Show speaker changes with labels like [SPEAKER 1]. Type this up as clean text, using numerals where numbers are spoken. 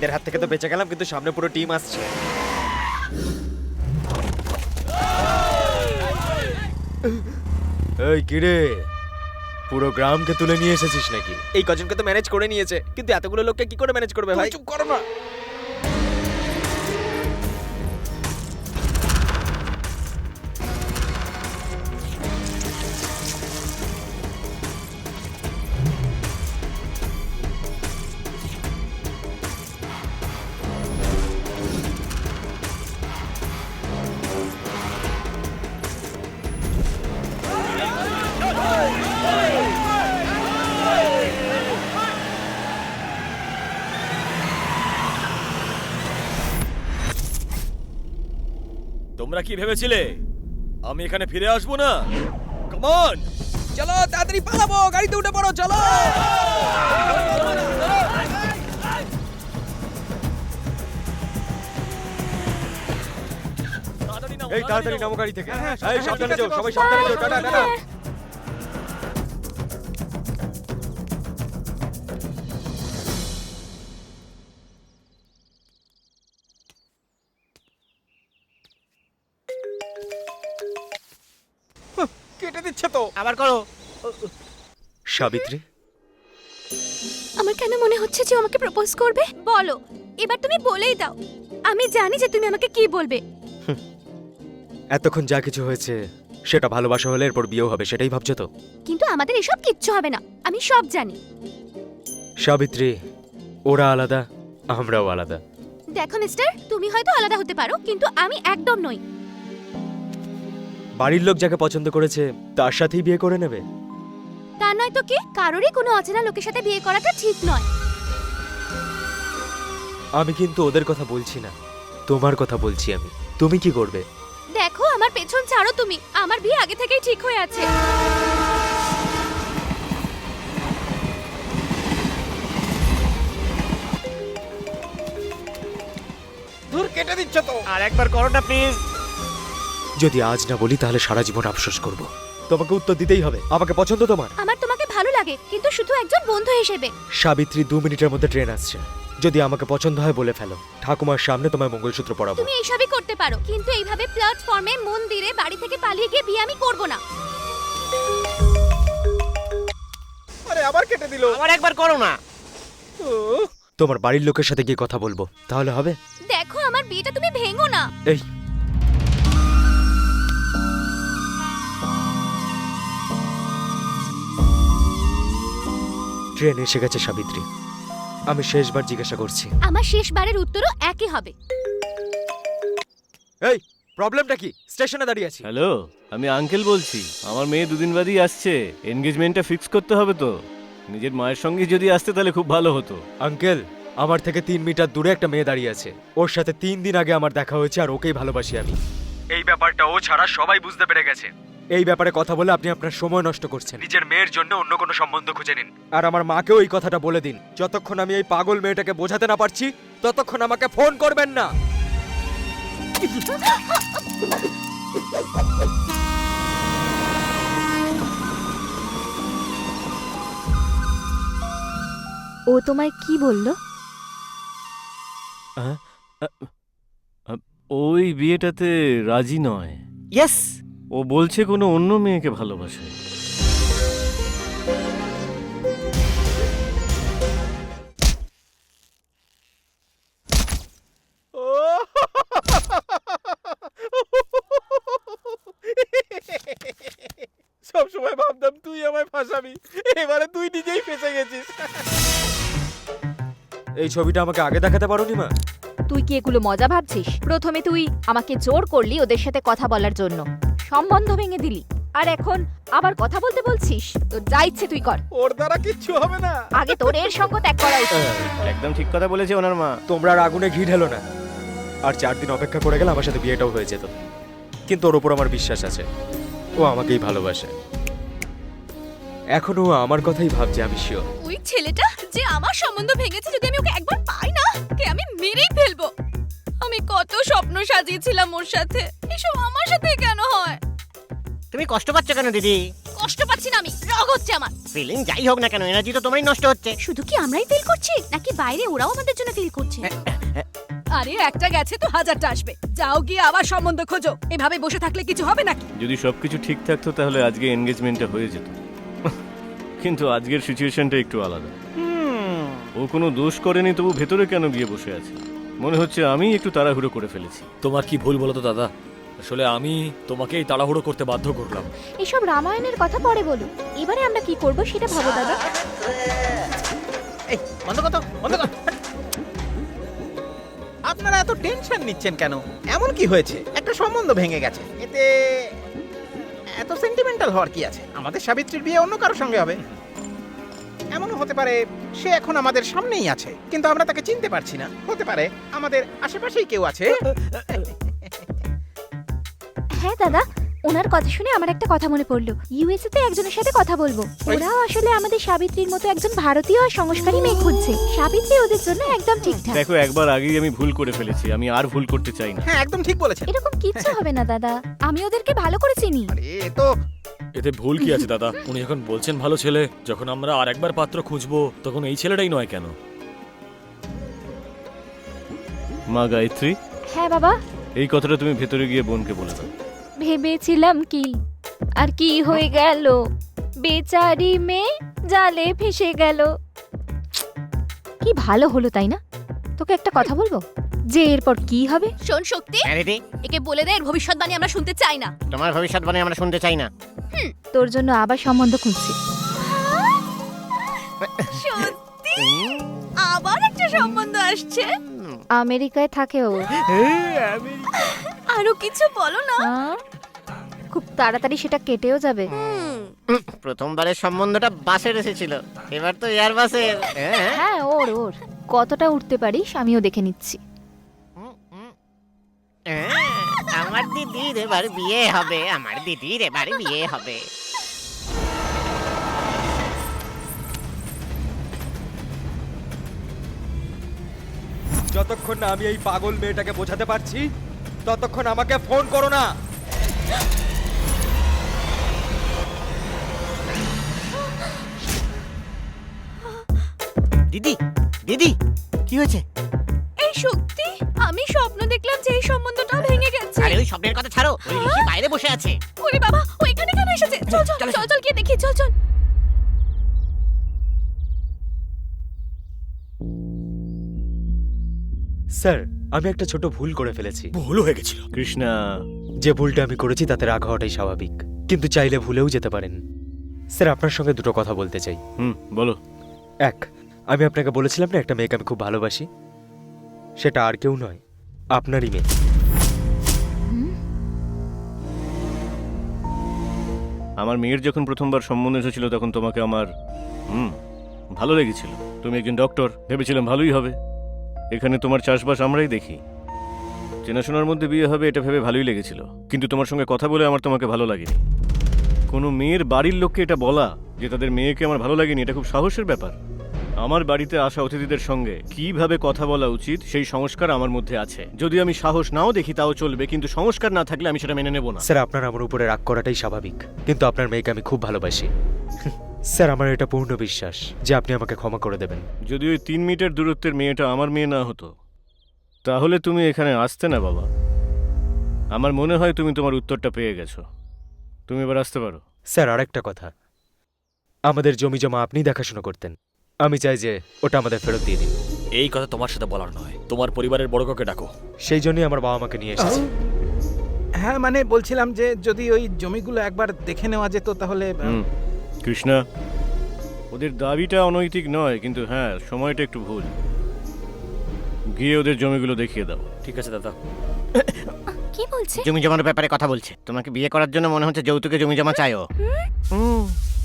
[SPEAKER 1] এদের হাত থেকে তো বেঁচে গেলাম, কিন্তু সামনে পুরো টিম আসছে। এই কিরে, পুরো গ্রামকে তুলে নিয়ে এসেছিস নাকি? এই কজনকে তো ম্যানেজ করে নিয়েছে, কিন্তু এতগুলো লোককে কি করে ম্যানেজ করবে ভাই? চুপ করো না।
[SPEAKER 2] তোমরা কি ভেবেছিলে আমি এখানে ফিরে আসবো না? কাম অন,
[SPEAKER 1] চলো তাড়াতাড়ি পালাবো, গাড়িতে উঠে পড়ো, চলো। এই তাড়াতাড়ি নামো গাড়ি থেকে। এই সাবধানে যাও, সবাই সাবধানে যাও। Tata tata. কেটে দিচ্ছে তো।
[SPEAKER 3] আবার করো।
[SPEAKER 1] সাবিত্রী,
[SPEAKER 4] আমার কেন মনে হচ্ছে যে ও আমাকে প্রপোজ করবে? বলো, এবার তুমি বলেই দাও। আমি জানি যে তুমি আমাকে কি বলবে।
[SPEAKER 1] এতক্ষণ যা কিছু হয়েছে সেটা ভালোবাসা হলে এরপর বিয়েও হবে, সেটাই ভাবছো তো?
[SPEAKER 4] কিন্তু আমাদের এসব কিচ্ছু হবে না, আমি সব জানি।
[SPEAKER 1] সাবিত্রী, ওরা আলাদা, আমরাও আলাদা।
[SPEAKER 4] দেখো মিস্টার, তুমি হয়তো আলাদা হতে পারো, কিন্তু আমি একদম নই।
[SPEAKER 1] বাড়ির লোক যাকে পছন্দ করেছে তার সাথেই বিয়ে করে নেবে?
[SPEAKER 4] তা নয় তো কি, কারোরই কোনো অচেনা লোকের সাথে বিয়ে করাটা ঠিক নয়।
[SPEAKER 1] আমি কিন্তু ওদের কথা বলছি না, তোমার কথা বলছি আমি। তুমি কি করবে?
[SPEAKER 4] দেখো, আমার পেছন ছাড়ো তুমি, আমার বিয়ে আগে থেকেই ঠিক হয়ে আছে।
[SPEAKER 3] দূর, কেটে দিচ্ছ তো। আর একবার করো না প্লিজ।
[SPEAKER 1] যদি আজ না বলি তাহলে সারা জীবন আফসোস করব। তোমাকে উত্তর দিতেই হবে। আমাকে পছন্দ তোমার?
[SPEAKER 4] আমার তোমাকে ভালো লাগে, কিন্তু শুধু একজন বন্ধু হিসেবে।
[SPEAKER 1] সাবিত্রী, 2 মিনিটের মধ্যে ট্রেন আসছে। যদি আমাকে পছন্দ হয় বলে ফেলো, ঠাকুমার সামনে তোমায় মঙ্গলসূত্র পরাবো।
[SPEAKER 4] তুমি এইসবই করতে পারো, কিন্তু এইভাবে প্ল্যাটফর্মে, মন্দিরে, বাড়ি থেকে পালিয়ে গিয়ে বিয়ে আমি করব না।
[SPEAKER 3] আরে আবার কেটে দিল। আবার একবার করো না।
[SPEAKER 1] তোমার বাড়ির লোকের সাথে গিয়ে কথা বলবো, তাহলে হবে?
[SPEAKER 4] দেখো, আমার বিয়েটা তুমি ভেঙো না।
[SPEAKER 1] এই, ট্রেন এসে গেছে সাবিত্রী। আমি শেষবার জিজ্ঞাসা করছি।
[SPEAKER 4] আমার শেষবারের উত্তরও একই হবে।
[SPEAKER 1] এই, প্রবলেমটা কি? স্টেশনে দাঁড়িয়ে আছি।
[SPEAKER 2] হ্যালো, আমি আঙ্কেল বলছি। আমার মেয়ে দুদিন বাদেই আসছে, এনগেজমেন্টটা ফিক্স করতে হবে তো। নিজের মায়ের সঙ্গে যদি আসতে তাহলে খুব ভালো হতো।
[SPEAKER 1] আঙ্কেল, আমার থেকে 3 মিটার দূরে একটা মেয়ে দাঁড়িয়ে আছে। ওর সাথে 3 দিন আগে আমার দেখা হয়েছে, আর ওকেই ভালোবাসি আমি। এই ব্যাপারটা ও ছাড়া সবাই বুঝতে পেরে গেছে। এই ব্যাপারে কথা বলে আপনি আপনার সময় নষ্ট করছেন। নিজের মেয়ের জন্য অন্য কোনো সম্বন্ধ খুঁজে নিন। আর আমার মাকেও এই কথাটা বলে দিন, যতক্ষণ আমি এই পাগল মেয়েটাকে বোঝাতে না পারছি ততক্ষণ আমাকে ফোন করবেন না।
[SPEAKER 4] ও তোমায় কি বললো?
[SPEAKER 2] ওই বিয়েটাতে রাজি নয়।
[SPEAKER 3] ইয়েস।
[SPEAKER 2] ও বলছে কোনো অন্য মেয়েকে ভালোবাসে।
[SPEAKER 3] সব সময় ভাবতাম তুই আমায় ফাঁসাবি, এবারে তুই নিজেই ফেঁসে গেছিস।
[SPEAKER 1] এই ছবিটা আমাকে আগে দেখাতে পারোনি মা?
[SPEAKER 5] তুই কি এগুলো মজা ভাবছিস? প্রথমে তুই আমাকে জোর করলি ওদের সাথে কথা বলার জন্য, সম্বন্ধ ভেঙে দিলি, আর এখন আবার কথা বলতে বলছিস? তো যা ইচ্ছে তুই কর,
[SPEAKER 3] ওর দ্বারা কিচ্ছু হবে না।
[SPEAKER 5] আগে তোর এর সঙ্গ ত্যাগ করা উচিত।
[SPEAKER 2] একদম ঠিক কথা বলেছে ওনার মা।
[SPEAKER 1] তোমরা আর আগুনে ঘি ঢেলো না। আর 4 দিন অপেক্ষা করে গেলে আমার সাথে বিয়েটাও হয়ে যেত। কিন্তু ওর উপর আমার বিশ্বাস আছে, ও আমাকেই ভালোবাসে। এখনো ও আমার কথাই ভাবছে, আমি শিওর।
[SPEAKER 4] ওই ছেলেটা যে আমার সম্বন্ধ ভেঙেছে, যদি আমি ওকে একবার পাই না, ওকে আমি মেরেই ফেলবো। আমি কত স্বপ্ন সাজিয়েছিলাম ওর সাথে, এসব আমার সাথে কেন হয়?
[SPEAKER 3] তুমি কষ্ট পাচ্ছ কেন দিদি?
[SPEAKER 4] কষ্ট পাচ্ছি না, আমি রাগ হচ্ছে আমার।
[SPEAKER 6] ফিলিং যাই হোক না কেন, এনার্জি তো তোমারই নষ্ট হচ্ছে।
[SPEAKER 4] শুধু কি আমরাই ফিল করছি নাকি বাইরে ওরাও আমাদের জন্য ফিল করছে?
[SPEAKER 7] আরে একটা গেছে তো হাজারটা আসবে, যাও গিয়ে আবার সম্বন্ধ খোঁজো। এভাবে বসে থাকলে কিছু হবে নাকি?
[SPEAKER 2] যদি সবকিছু ঠিক থাকতো তাহলে আজকে এনগেজমেন্টটা হয়ে যেত, কিন্তু আজকের সিচুয়েশনটা একটু আলাদা। ও কোনো দোষ করেনি, তবু ভেতরে কেন গিয়ে বসে আছে? মনে হচ্ছে আমি একটু তাড়াহুড়ো করে ফেলেছি।
[SPEAKER 8] তোমার কি ভুল বলো তো দাদা? আসলে আমি তোমাকেই তাড়াহুড়ো করতে বাধ্য করলাম।
[SPEAKER 5] এসব রামায়ণের কথা পরে বলো, এবারে আমরা কি করব সেটা ভাবো দাদা।
[SPEAKER 3] এই বন্ধ কর তো, বন্ধ কর। আপনারা এত টেনশন নিচ্ছেন কেন? এমন কি হয়েছে? একটা সম্বন্ধ ভেঙে গেছে, এতে এত সেন্টিমেন্টাল হওয়ার কি আছে? আমাদের সাবিত্রীর বিয়ে অন্য কারোর সঙ্গে হবে। এমনও হতে পারে সে এখন আমাদের সামনেই আছে, কিন্তু আমরা তাকে চিনতে পারছি না। হতে পারে আমাদের আশেপাশেই কেউ আছে।
[SPEAKER 5] হ্যাঁ দাদা, ওনার কথা শুনে আমার একটা কথা মনে পড়লো। ইউএসএ তে একজনের সাথে কথা বলবো। ওরাও আসলে আমাদের সাবিত্রীর মতো একজন ভারতীয় আর সংস্কারী মেয়ে খুঁজছে। সাবিত্রী ওদের জন্য একদম ঠিকঠাক।
[SPEAKER 2] দেখো, একবার আগেই আমি ভুল করে ফেলেছি, আমি আর ভুল করতে চাই না।
[SPEAKER 3] হ্যাঁ, একদম ঠিক বলেছেন।
[SPEAKER 5] এরকম কিচ্ছু হবে না দাদা, আমি ওদেরকে ভালো করে চিনি।
[SPEAKER 3] আরে এ তো
[SPEAKER 8] এতে ভুল কি আছে দাদা? উনি যখন বলছেন ভালো ছেলে, যখন আমরা আর একবার পাত্র খুঁজবো তখন এই ছেলেটাই নয় কেন?
[SPEAKER 2] মা গায়ত্রী,
[SPEAKER 5] হ্যাঁ বাবা,
[SPEAKER 2] এই কথাটা তুমি ভেতরে গিয়ে বোনকে বলে দাও।
[SPEAKER 5] ভেবেছিলাম কি আর কি হয়ে গেল, বেচারি মেয়ে জালে ফেসে গেল। কি ভালো হলো তাই না? তোকে একটা কথা বলবো, যে এরপর কি হবে।
[SPEAKER 4] শোন শক্তি,
[SPEAKER 6] হ্যাঁ দিদি,
[SPEAKER 4] একে বলে দে এর ভবিষ্যৎবাণী আমরা শুনতে চাই না।
[SPEAKER 6] তোমার ভবিষ্যৎবাণী আমরা শুনতে চাই না।
[SPEAKER 5] তোর জন্য আবার সম্বন্ধ খুঁজছি।
[SPEAKER 4] সত্যি আবার একটা সম্বন্ধ আসছে?
[SPEAKER 5] আমেরিকায় থাকে ও।
[SPEAKER 4] আরো কিছু বলো না।
[SPEAKER 5] হ্যাঁ? খুব তাড়াতাড়ি সেটা কেটেও যাবে।
[SPEAKER 6] প্রথমবারের সম্বন্ধটা বাসের এসেছিল, এবার তো এয়ার বাসের।
[SPEAKER 5] হ্যাঁ, ওর ওর কতটা উঠতে পারিস আমিও দেখে নিচ্ছি।
[SPEAKER 6] আমার দিদির এবার বিয়ে হবে, আমার দিদির এবার বিয়ে হবে।
[SPEAKER 1] যতক্ষণ না আমি এই পাগল মেয়েটাকে বোঝাতে পারছি ততক্ষণ আমাকে ফোন করো না।
[SPEAKER 6] দিদি, দিদি, কি হয়েছে?
[SPEAKER 4] এই শক্তি, আমি স্বপ্ন দেখলাম যে এই সম্বন্ধটা ভেঙে গেছে।
[SPEAKER 6] আরে ওই স্বপ্নের কথা ছাড়ো, ওই ঋষি বাইরে বসে আছে।
[SPEAKER 4] ওরে বাবা, ও এখানে কেন এসেছে? চল চল চল চল গিয়ে দেখি, চল চল।
[SPEAKER 1] স্যার, আমি একটা ছোট ভুল করে ফেলেছি।
[SPEAKER 8] ভুল হয়ে গেছিল।
[SPEAKER 2] কৃষ্ণা,
[SPEAKER 1] যে ভুলটা আমি করেছি তাতে রাগ হওয়াটাই স্বাভাবিক, কিন্তু চাইলে ভুলেও যেতে পারেন। স্যার, আপনার সঙ্গে দুটো কথা বলতে চাই।
[SPEAKER 2] বলো।
[SPEAKER 1] এক, আমি আপনাকে বলেছিলাম না একটা মেয়েকে আমি খুব ভালোবাসি, সেটা আর কেউ নয়, আপনারই মেয়ে।
[SPEAKER 2] আমার মেয়ের যখন প্রথমবার সম্বন্ধ এসেছিল তখন তোমাকে আমার ভালো লেগেছিল। তুমি একজন ডক্টর, ভেবেছিলাম ভালোই হবে। এখানে তোমার চাষবাস আমরাই দেখি, চেনাশোনার মধ্যে বিয়ে হবে এটা ভেবে ভালোই লেগেছিল, কিন্তু তোমার সঙ্গে কথা বলে আমার তোমাকে ভালো লাগেনি। কোনো মেয়ের বাড়ির লোককে এটা বলা যে তাদের মেয়েকে আমার ভালো লাগেনি, এটা খুব সাহসের ব্যাপার। আমার বাড়িতে আসা অতিথিদের সঙ্গে কিভাবে কথা বলা উচিত সেই সংস্কার আমার মধ্যে আছে। যদি আমি সাহস নাও দেখি তাও চলবে, কিন্তু সংস্কার না থাকলে আমি সেটা মেনে নেব না।
[SPEAKER 1] স্যার, আপনার আমার উপরে রাগ করাটাই স্বাভাবিক, কিন্তু আপনার মেয়েকে আমি খুব ভালোবাসি। স্যার, আমার এটা পূর্ণ বিশ্বাস যে আপনি আমাকে ক্ষমা করে দেবেন।
[SPEAKER 2] যদি ওই 3 মিটার দূরত্বের মেয়েটা আমার মেয়ে না হতো তাহলে তুমি এখানে আসতে না বাবা। আমার মনে হয় তুমি তোমার উত্তরটা পেয়ে গেছো, তুমি এবার আসতে পারো।
[SPEAKER 1] স্যার, আরেকটা কথা, আমাদের জমি জমা আপনি দেখাশোনা করতেন, আমি চাই যে ওটা আমাদের ফেরত দিয়ে দিন।
[SPEAKER 8] এই কথা তোমার সাথে বলার নয়, তোমার পরিবারের বড় কাউকে ডাকো।
[SPEAKER 1] সেই জন্যই আমার বাবা মাকে নিয়ে এসেছি।
[SPEAKER 3] হ্যাঁ, মানে বলছিলাম যে যদি ওই জমিগুলো একবার দেখে নেওয়া যেত তাহলে।
[SPEAKER 2] কৃষ্ণা, ওদের দাবিটা অনৈতিক নয়, কিন্তু হ্যাঁ সময়টা একটু ভুল। গিয়ে ওদের জমিগুলো দেখিয়ে দাও।
[SPEAKER 8] ঠিক আছে দাদা।
[SPEAKER 4] কি বলছে?
[SPEAKER 6] জমি জমার ব্যাপারে কথা বলছে। তোমাকে বিয়ে করার জন্য মনে হচ্ছে যৌতুকে জমি জমা চাইও।